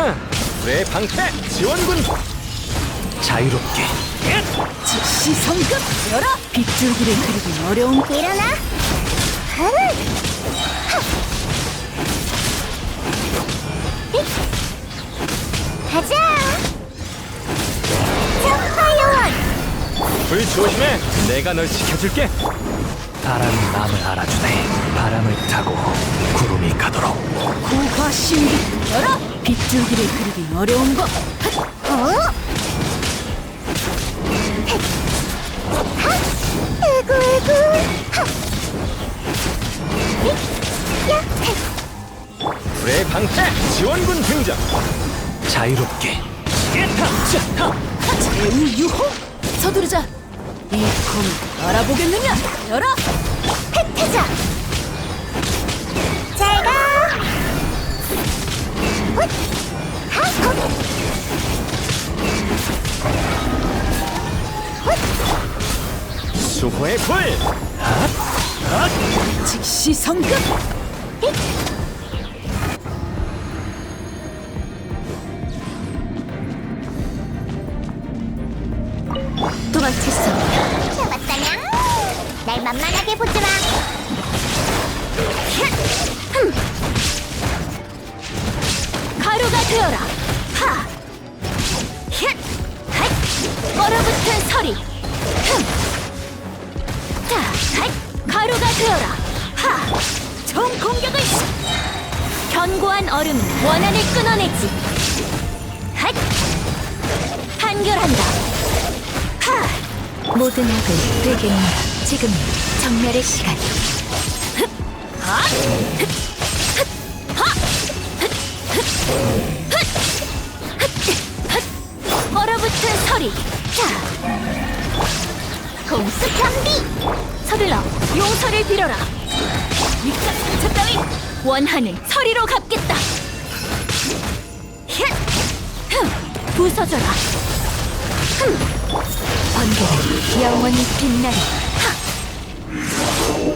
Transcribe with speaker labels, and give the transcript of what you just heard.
Speaker 1: 불의 방패 지원군.
Speaker 2: 자유롭게.
Speaker 3: 즉시 성급 열어. 빗줄기를 그리기 어려운
Speaker 4: 일어나. 가자. 파이어원.
Speaker 1: 불 조심해. 내가 널 지켜줄게.
Speaker 2: 바람이 마음을 알아주네. 바람을 타고 구름이 가도록.
Speaker 3: 고화 신비 열어. 빗줄기를 그리기 어려운 것.
Speaker 1: 불의 방패 지원군 등장.
Speaker 2: 자유롭게.
Speaker 3: 제우유호. 서두르자. 이 검을 알아보겠느냐. 열어.
Speaker 4: 혜태자. 잘 가. 훗.
Speaker 1: 수호의 불.
Speaker 3: 즉시 성급. 도망칠 수 없다.
Speaker 4: 잡았다냥. 날 만만하게 보지 마.
Speaker 3: 가루가 되어라. 하. 힛. 핫. 얼어붙은 서리. 자, 핫. 가루가 되어라. 하. 총 공격을. 견고한 얼음은 원한을 끊어내지. 핫. 한결한다. 하. 모든 악을 되겠노라. 지금 정멸의 시간. 얼어붙은 서리. 자,
Speaker 4: 공수 경비.
Speaker 3: 서둘러 용서를 빌어라. 이깟 상처 따위 원한은 서리로 갚겠다. 힛! 부서져라. 번개는 영원히 빛나리. 하!